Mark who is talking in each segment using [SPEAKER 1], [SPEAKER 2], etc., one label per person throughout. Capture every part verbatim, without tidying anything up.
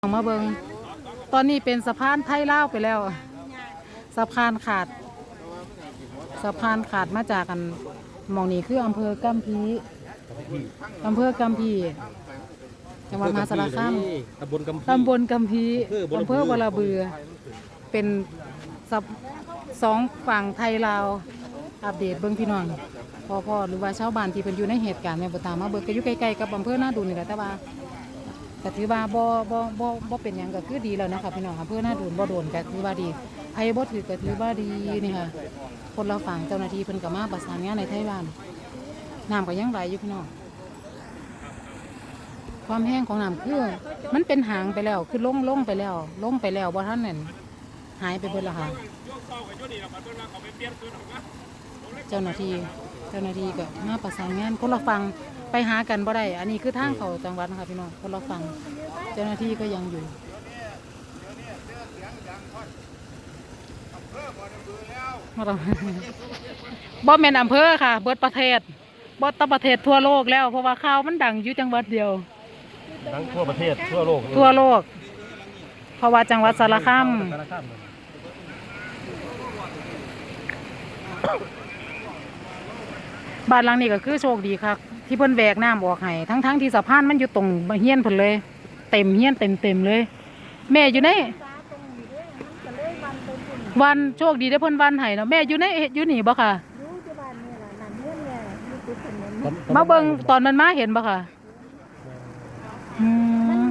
[SPEAKER 1] มาเบิงตอนนี้เป็นสะพานไทยลาวไปแล้วสะพานขาดสะพานขาดมาจากกันมองนี่คืออำเภอกัมพีอำเภอกัมพีจังหวัดมหาสารคาม
[SPEAKER 2] ตำบลกัมพี
[SPEAKER 1] ตำบลกัมพีอำเภอวลาเบือเป็นสองฝั่งไทยลาวอัปเดตเบิ้งพี่น้องพ่อพ่อหรือว่าชาวบ้านที่เป็นอยู่ในเหตุการณ์แม่บุตรมาเบิกก็อยู่ใกล้ๆกับอำเภอหน้าดูนี่แหละแต่ว่าแต่ถือว่าบ่บ่บ่บ่เป็นอย่างก็คือดีแล้วนะคะพี่น้องอำเภอหน้าดูนบ่โดนก็ถือว่าดีไอ้บ่ถือก็ถือว่าดีนี่ค่ะคนเราฝั่งเจ้าหน้าที่เพิ่นก็มาประสานงานในไทยบ้านน้ำก็ยังไหลอยู่พี่น้องความแห้งของน้ำคือมันเป็นหางไปแล้วคือล่งล่งไปแล้วล่งไปแล้วบ่ท่านนั่นหายไปเบิดแล้วค่ะเจ้าหน้าที่เจ้าหน้าที่ก็มาประสานงานคนเราฟังไปหากันบ่ได้อันนี้คือทางเขาจังหวัดนะคะพี่น้องคนเราฟังเจ้าหน้าที่ก็ยังอยู่บ่แม่นอำเภอค่ะเบิดประเทศบ่ตะประเทศทั่วโลกแล้วเพราะว่าข่าวมันดังอยู่จังหวัดเดียว
[SPEAKER 2] ดังทั่วประเทศทั่วโลก
[SPEAKER 1] ทั่วโลกเพราะว่าจังหวัดสารคามบ้านหลังนี้ก็คือโชคดีครับที่เพิ่นแวกน้ำออกให้ทั้งๆที่สะพานมันอยู่ตรงเฮียนเพิ่นเลยเต็มเฮียนเต็มเต็มเลยแม่อยู่ในวันโชคดีได้เพิ่นวันให้เนาะแม่อยู่ในอยู่นี่บ่ค่ะมาเบิ่งตอนมันมาเห็นบ่ค่ะอืม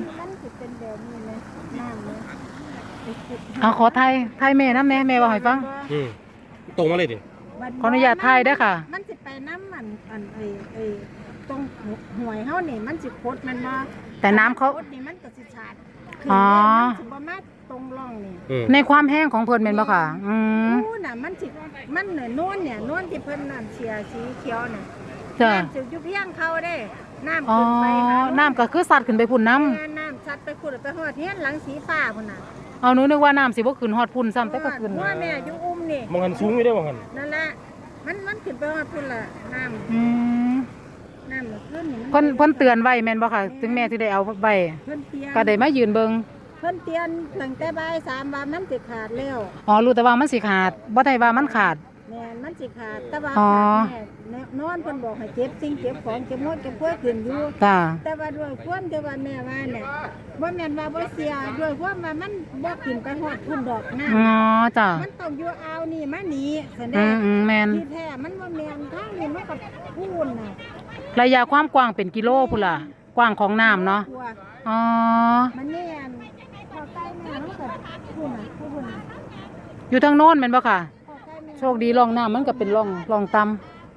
[SPEAKER 1] เอาขอไทยไทยแม่น้ำแม่แม่ว่าให้ฟัง
[SPEAKER 2] ตรงมาเลยดิ
[SPEAKER 1] ขออนุญาตไทยได้ค่ะ
[SPEAKER 3] มันสิไปน้ำมันอันไอ้ไอ้ตรงห่วยเฮานี่มันสิโคตรมันมา
[SPEAKER 1] แต่น้ำเขา
[SPEAKER 3] โคตรนี่มันก็สิชาดคือมันสิบ่มาตรงร่องนี่
[SPEAKER 1] ในความแห้งของเพิ่นแม่นบ่ค่ะอืม
[SPEAKER 3] อู้น่ะมันสิมันเนี่ยนวลเนี่ยนวลที่เพิ่นน้ำเสียสีเขียวน่ะ
[SPEAKER 1] จ้ะ
[SPEAKER 3] น้ำสิอยู่เพียงเขาเด้น้ำ
[SPEAKER 1] อ๋อ
[SPEAKER 3] ขึ้นไปหา
[SPEAKER 1] น้ำก็คือสัตว์ขึ้นไปพุ่นน้
[SPEAKER 3] ำน้ำสัตว์ไปขุดไปฮอดเฮียนหลังสีฟ้าพุ่นน่ะ
[SPEAKER 1] เอาหนูนึกว่าน้ำสิบ่ขึ้นฮอดพุ่นซ้ำแต่ก็ขึ้น
[SPEAKER 3] ว่าแม่อยู่อุ้มนี่
[SPEAKER 2] มองหันสูงอยู่ได้มองหัน
[SPEAKER 3] นั่นแหละมันมันขึ้นไปฮอดพุ่นล่ะน้ำ
[SPEAKER 1] อืม
[SPEAKER 3] น้ำมันขึ้นนี่
[SPEAKER 1] เพิ่นเพิ่นเตือนไว้แม่นบ่ค่ะถึงแม่ที่ได้เอาไว้
[SPEAKER 3] เพิ่นเตือน
[SPEAKER 1] ก็ได้มายืนเบิ่ง
[SPEAKER 3] เพิ่นเตือนตั้งแต่บ่ายสามว่ามันสิขาดแล้ว
[SPEAKER 1] อ๋อรู้แต่ว่ามันสิขาดบ่ได้ว่ามันขาด
[SPEAKER 3] แม่นมันสิขาดแต่ว่าขาดแม่นอนเพิ่นบอกให้เก็บสิ่งเก็บของเก็บหมดเก็บกล้วยขึ้นอยู่
[SPEAKER 1] จ้า
[SPEAKER 3] แต่ว่าด้วยความที่ว่าแม่ว่าเนี่ยบ่แม่นว่าบ่เสียด้วยความว่ามันบ่ขึ้นไปฮอดพุ่นดอกน้ำ
[SPEAKER 1] อ๋อจ้า
[SPEAKER 3] มันต้องอยู่อ่าวนี่มานี่ซั่นเด้
[SPEAKER 1] อืมแม่น
[SPEAKER 3] ที่แท้มันบ่แม่นทางนี้มันก็พูนน่ะ
[SPEAKER 1] ระยะความกว้างเป็นกิโลพุ่นล่ะกว้างของน้ำเนาะอ๋อ
[SPEAKER 3] มันแม่นพอใกล้แม่มันก็พูนน่ะพูน
[SPEAKER 1] อยู่ทางโน้นแม่นบ่ค่ะโชคดีร่องน้ำมันก็เป็นร่องร่องต่ำ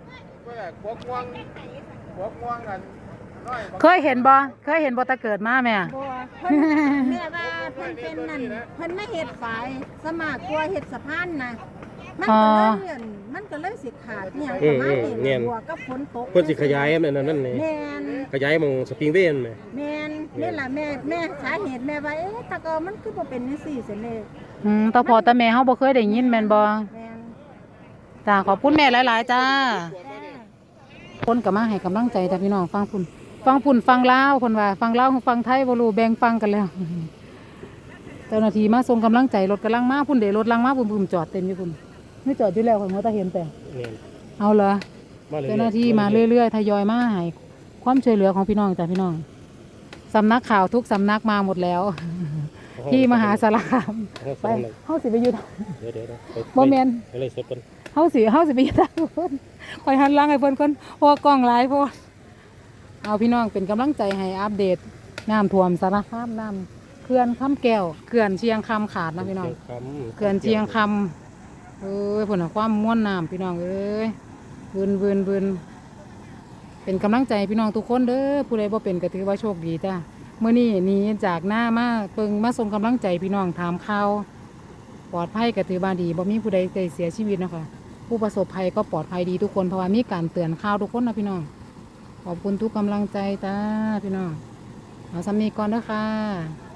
[SPEAKER 1] เคยเห็นบ่เคยเห็นบ่ตะเกิดมาแม่
[SPEAKER 3] บ่เพิ่นแม่ว่าเพิ่นเป็นนั่นเพิ่นไม่เฮ็ดฝายสมากกลัวเฮ็ดสะพานนะมันก็เลยเลื่อนมันก็เลยสิขาดเนี่ยประมาณนี้บวกกับฝนตก
[SPEAKER 2] เพิ่นสิขยายนั่นนั่นนี่
[SPEAKER 3] แม่น
[SPEAKER 2] ขยายมองสปริงเวย์แม่
[SPEAKER 3] แม่นนี่ล่ะแม่แม่สาเหตุแม่ว่าเอ๊ะตะกอมันคือบ่เป็นจังซี่ซั่นเด้
[SPEAKER 1] อืมตาพ่อตาแม่เฮาบ่เคยได้ยินแม่นบ่
[SPEAKER 3] แม่น
[SPEAKER 1] จ้าขอบคุณแม่หลายๆจ้าคนก็มาให้กำลังใจแต่พี่น้องฟังพุ่นฟังพุ่นฟังลาวคนว่าฟังลาวฟังไทยบ่รู้แบ่งฟังกันแล้วเจ้าหน้าที่มาส่งกำลังใจรถกำลังมาพุ่นเด้รถลังมาพุ่นพุ่นจอดเต็มอยู่พุ่นไม่จอดอยู่แล้วคนบ่ตาเห็นแต่เอาเหรอเจ้าหน้าที่มาเรื่อยๆทยอยมาให้ความช่วยเหลือของพี่น้องจ้ะพี่น้องสำนักข่าวทุกสำนักมาหมดแล้วที่มหาสารคามไปเฮาสิไปอยู่เดี๋ยวๆบ่แม่นเลยสดก่อนเฮาสิเฮาสิไปอยู่ทางเพิ่นคอยหันหลังให้เพิ่นก่อนเพราะกล้องหลายโพดเอาพี่น้องเป็นกำลังใจให้อัปเดตน้ำท่วมสารคามน้ำเขื่อนคำแก้วเขื่อนเชียงคำขาดนะพี่น้องเขื่อนเชียงคำเอ้ยผลความม้วนน้ำพี่น้องเอ้ยบืนบืนบืนเป็นกำลังใจพี่น้องทุกคนเด้อผู้ใดบ่เป็นก็ถือว่าโชคดีจ้าเมื่อนี้หนีจากหน้ามาเปิงมาส่งกำลังใจพี่น้องถามข่าวปลอดภัยก็ถือว่าดีบ่มีผู้ใดได้เสียชีวิตนะคะผู้ประสบภัยก็ปลอดภัยดีทุกคนเพราะว่ามีการเตือนข่าวทุกคนนะพี่น้องขอบคุณทุกกำลังใจจ้าพี่น้องเอาสำนีก่อนเด้อค่ะ